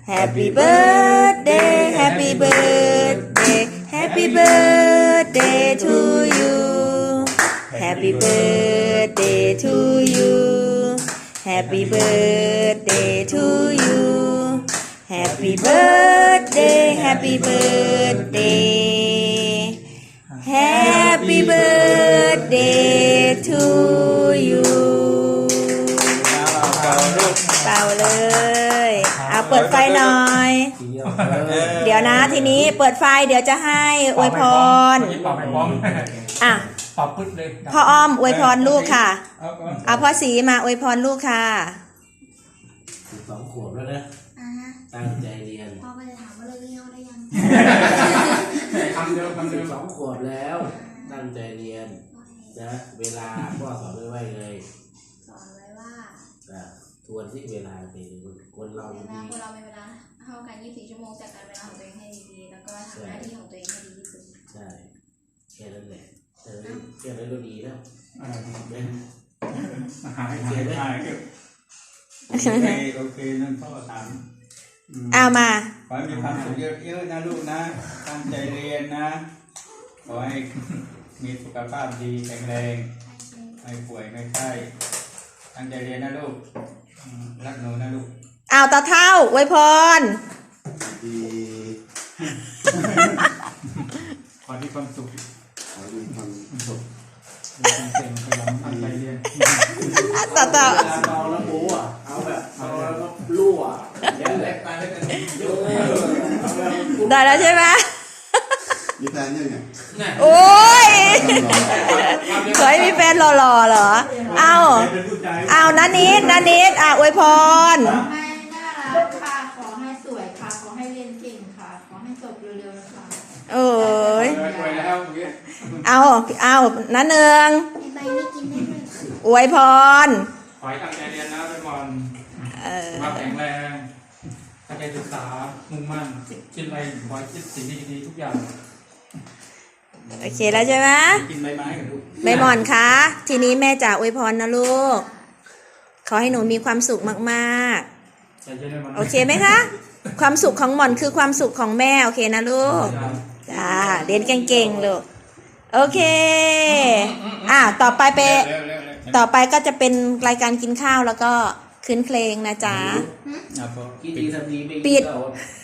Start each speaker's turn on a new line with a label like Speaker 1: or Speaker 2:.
Speaker 1: Happy birthday Happy birthday Happy birthday to you Happy birthday to you Happy birthday to you Happy birthday Happy birthday Happy birthday to you เป่าเลยเอาเปิดไฟหน่อยเดี๋ยวนะทีนี้เปิดไฟเดี๋ยวจะให้อวยพรอ่ะพ่ออ้อมอวยพรลูกค่ะเอาพ่อสีมาอวยพรลูกค่ะ
Speaker 2: 12 ขวบแล้วนะตั้งใจเรียน
Speaker 3: พ่อก็จะถามว่าเลิกเรียนได้ยัง
Speaker 2: คำเดิม12 ขวบแล้วตั้งใจเรียนนะเวลาพ่อสอนไว้เลย
Speaker 3: สอนไว้ว่า
Speaker 2: ทวนที่เวลาเป็นคนเรา
Speaker 3: มีเวลาเท่ากัน24 ชั่วโมงจัดการเวลาของตัวเองให้ดีๆแล้วก็ทำหน้าที่ของตัวเองให้ดีที่สุด
Speaker 2: ใช่แค่นั้นแหละแค่นั้นก็ดีแล้ว
Speaker 4: โอเคนั่นพ่อถาม
Speaker 1: เอามา
Speaker 4: ขอให้มีความสุขเยอะๆนะลูกนะตั้งใจเรียนนะขอให้มีสุขภาพดีแข็งแรงไม่ป่วยไม่ไข้ตั้งใจเรียนนะลูกรักหนูนะลูก
Speaker 1: เอาตาเท่าอวยพร
Speaker 4: ดีขอที่ความสุขขอที่ความสุขเก่งๆขยันตั้งใจเรียน
Speaker 1: ต่อ
Speaker 2: เอาแล้วโบ้เอาแบบเอาแล้วรั่วยันแหลกตายแล้ว
Speaker 1: ได้แล้วใช่ไหม
Speaker 4: มีแฟนยังไง
Speaker 1: โอ้ยเคยมีแฟนหล่อๆเหรอเอานันนิดอวยพร
Speaker 3: ให้น่ารักค่ะขอให้สวยค่ะขอให้เรียนเก่งค่ะขอให้จบเร็วๆนะคะ
Speaker 1: โอ้ยเอานันเนือง
Speaker 3: ใบนี้กินได้เลย
Speaker 1: อวยพร
Speaker 5: ขอให้ตั้งใจเรียนนะเป็นวันมาแข็งแรงตั้งใจศึกษามุ่งมั่นคิดอะไรขอให้คิดสิ่งดีๆทุกอย่าง
Speaker 1: โอเคแล้วใช่ไหม
Speaker 5: กินใบไม้กับลูก
Speaker 1: ใบหม่อนคะทีนี้แม่จะอวยพรนะลูกขอให้หนูมีความสุขมากๆโอเคไหมคะความสุขของหม่อนคือความสุขของแม่โอเคนะลูกจ้าเรียนเก่งๆลูกโอเคต่อไปก็จะเป็นรายการกินข้าวแล้วก็คืนเพลงนะจ๊ะ
Speaker 2: กินดีทำดีไม่กิน